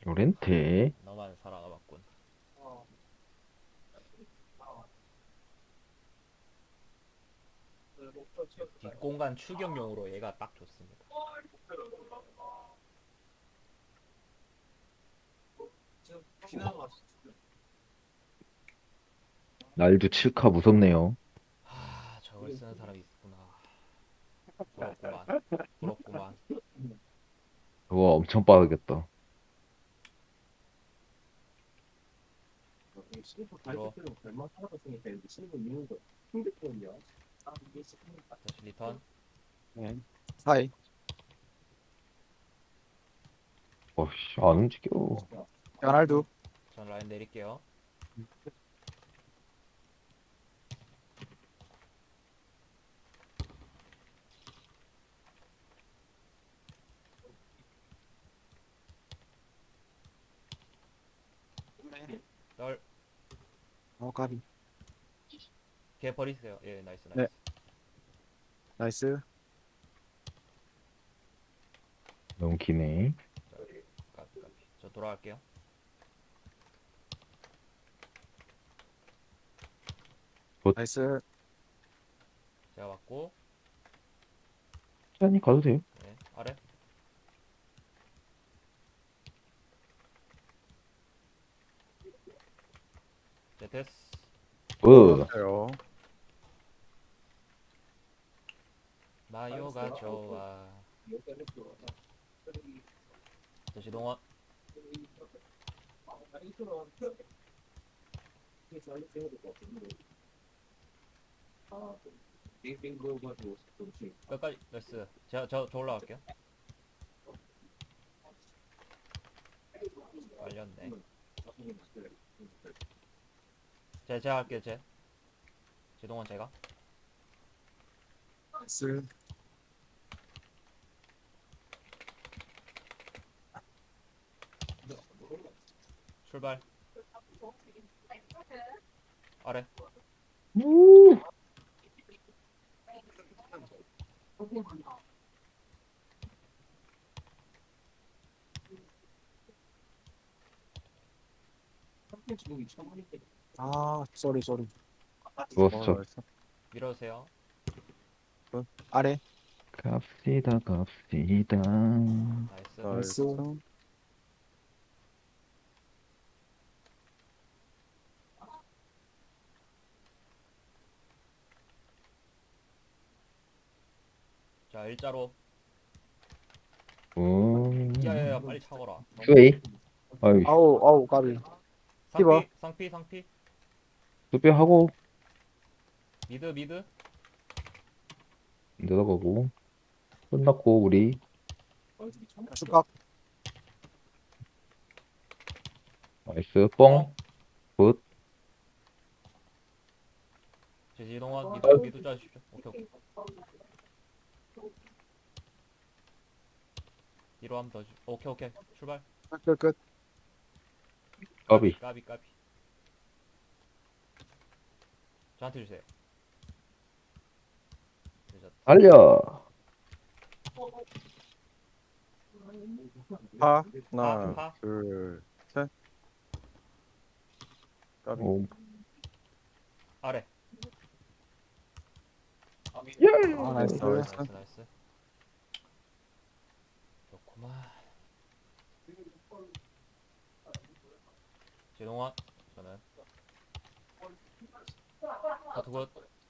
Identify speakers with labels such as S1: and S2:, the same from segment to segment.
S1: 요렌테.
S2: 너만 살아남았군. 뒷공간 추격용으로 얘가 딱 좋습니다.
S1: 날도 칠카 무섭네요.
S2: 저걸 쓰는 사람이 있구나. 부럽구만. 부럽구만.
S1: 그거 엄청 빠르겠다.
S2: 뒤로 다시 리턴.
S3: 네. 사이.
S1: 어씨, 안 움직여.
S3: 호날두.
S2: 전 라인 내릴게요. 널
S3: 까비.
S2: 걔 버리세요. 예, 나이스 나이스.
S3: 네. 나이스.
S1: 너무 기네.
S2: 자, 까비 까비. 저 돌아갈게요.
S3: 나이스.
S2: 제가 맞고.
S1: 천천히 가도 돼요.
S2: 네, 아래. 네, 됐어.
S1: 으,
S3: 좋았어요.
S2: 마요가 좋아. 다시 동원. 끝까지 나이스. 저 올라갈게요. 빨렸네. 제가 할게요. 제동원 제가.
S3: 나이스.
S2: 출발. 아래.
S1: 우,
S3: 쏘리.
S1: 좋았어.
S3: 나이스.
S2: 밀어주세요.
S3: 아래.
S1: 갑시다, 갑시다.
S2: 나이스.
S3: 나이스.
S2: 자, 일자로. 야야야,
S1: 음,
S2: 빨리 차거라.
S1: 스웨이. 아이,
S3: 아우, 까비. 티버.
S2: 상피.
S1: 수비하고
S2: 미드.
S1: 내려가고 끝났고 우리
S3: 축각.
S1: 나이스 뻥
S2: 뻥.
S1: 굿.
S2: 제지동원 미드 짜주십시오. 오케이. 뒤로 한번 더 주. 오케이. 출발.
S3: 끝.
S1: 까비.
S2: 까비. 저한테 주세요. 늦었다.
S1: 달려.
S3: 하나,
S2: 파.
S3: 둘, 셋. 까비.
S1: 오,
S2: 아래.
S3: 나이스.
S2: 나이스. 좋구만. 제동원. 저는 커트 굿.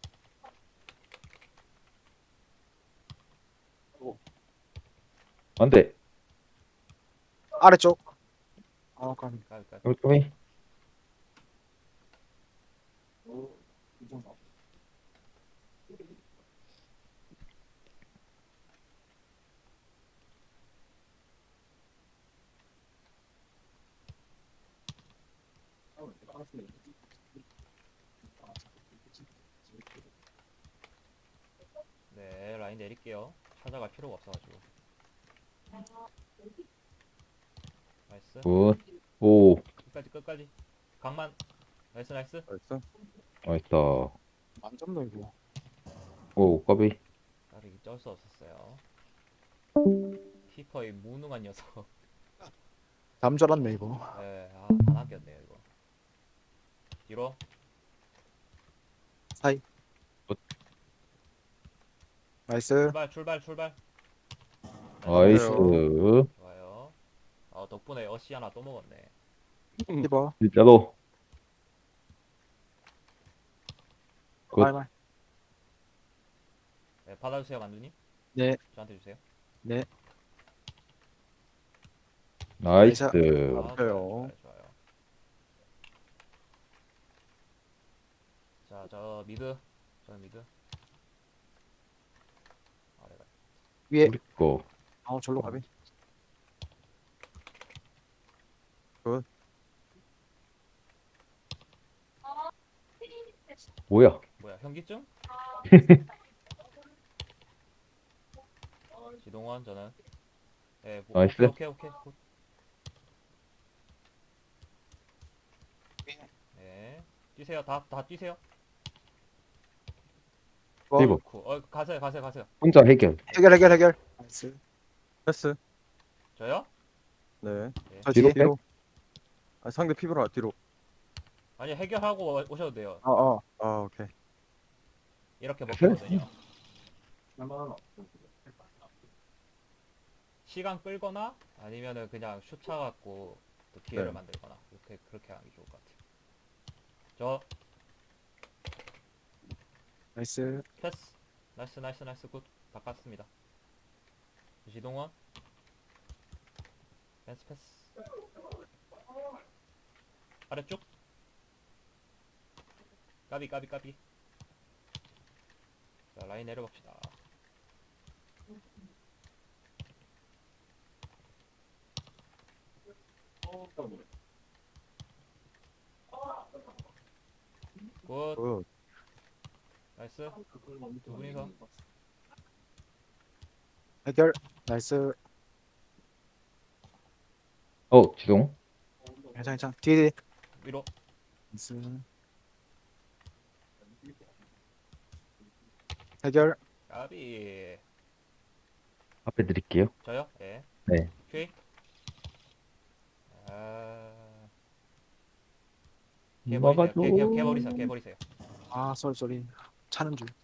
S1: 안돼.
S3: 아래쪽. 까비.
S2: 까비.
S1: 까비.
S2: 네, 라인 내릴게요. 찾아갈 필요가 없어가지고. 나이스.
S1: 굿. 오,
S2: 끝까지. 강만. 나이스.
S3: 나이스.
S1: 나이스다.
S3: 만점 넓고.
S1: 오, 까비.
S2: 까비 쩔수 없었어요. 키퍼의 무능한 녀석.
S3: 다음 줄 알았네 이거.
S2: 예, 다 남겼네요 이거. 뒤로.
S3: 사이.
S1: 굿.
S3: 나이스.
S2: 출발.
S1: 나이스.
S2: 좋아요. 덕분에 어시 하나 또 먹었네.
S3: 리버.
S1: 진짜로. 굿.
S3: 말말.
S2: 네, 받아주세요 만두님.
S3: 네.
S2: 저한테 주세요.
S3: 네.
S1: 나이스.
S3: 좋아요.
S2: 좋아요. 자, 저는 미드. 아래가.
S3: 위에.
S1: 우리 거.
S3: 절로 가비.
S1: 뭐야?
S2: 뭐야, 현기증? 지동원 저는. 예,
S1: 나이스.
S2: 오케이. 굿. 네. 뛰세요. 다 뛰세요.
S1: 리버.
S2: 가세요.
S1: 혼자 해결.
S3: 해결. 나이스.
S4: 패스.
S2: 저요?
S4: 네.
S3: 저
S1: 뒤로
S3: 뒤에.
S1: 백?
S4: 아, 상대 피부라 뒤로.
S2: 아니, 해결하고 오셔도 돼요.
S4: 아, 오케이.
S2: 이렇게 먹거든요. 시간 끌거나 아니면은 그냥 슛 차갖고 또 기회를
S4: 네.
S2: 만들거나 그렇게 하는 게 좋을 것 같아요. 저
S3: 나이스.
S2: 패스. 나이스 굿. 바꿨습니다. 지동원 패스. 아래쪽. 까비. 자, 라인 내려봅시다. 굿.
S4: 굿.
S2: 나이스. 두 분이서.
S3: 해결. 나이스.
S1: 지동.
S3: 괜찮. 뒤에.
S2: 위로.
S3: 나이스. 해결.
S2: 까비.
S1: 앞에 드릴게요.
S2: 저요? 예.
S1: 네.
S2: 퀴. 아.
S1: 막아줘.
S2: 개버리세요.
S3: 쏘리. 차는 줄.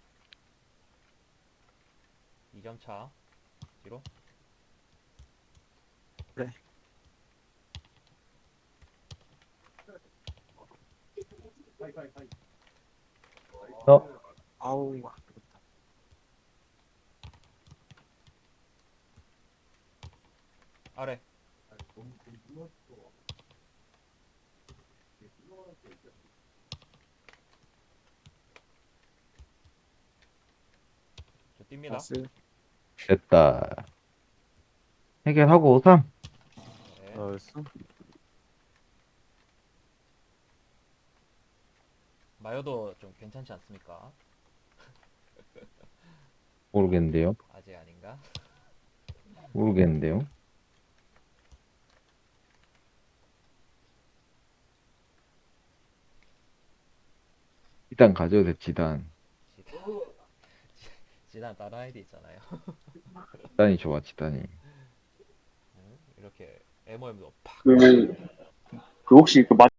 S2: 2점 차. 뒤로.
S3: 그래.
S1: 어?
S3: 아우.
S2: 아래. 저 뜁니다.
S3: 나이스.
S1: 됐다. 해결하고 3.
S2: 네.
S4: 나이스.
S2: 마요도 좀 괜찮지 않습니까?
S1: 모르겠는데요.
S2: 아직 아닌가?
S1: 모르겠는데요. 지단 가져도 돼, 지단.
S2: 지단. 지단 다른 아이디 있잖아요.
S1: 지단이 좋아, 지단이.
S2: 이렇게 MOM도 팍.
S5: 그 혹시 그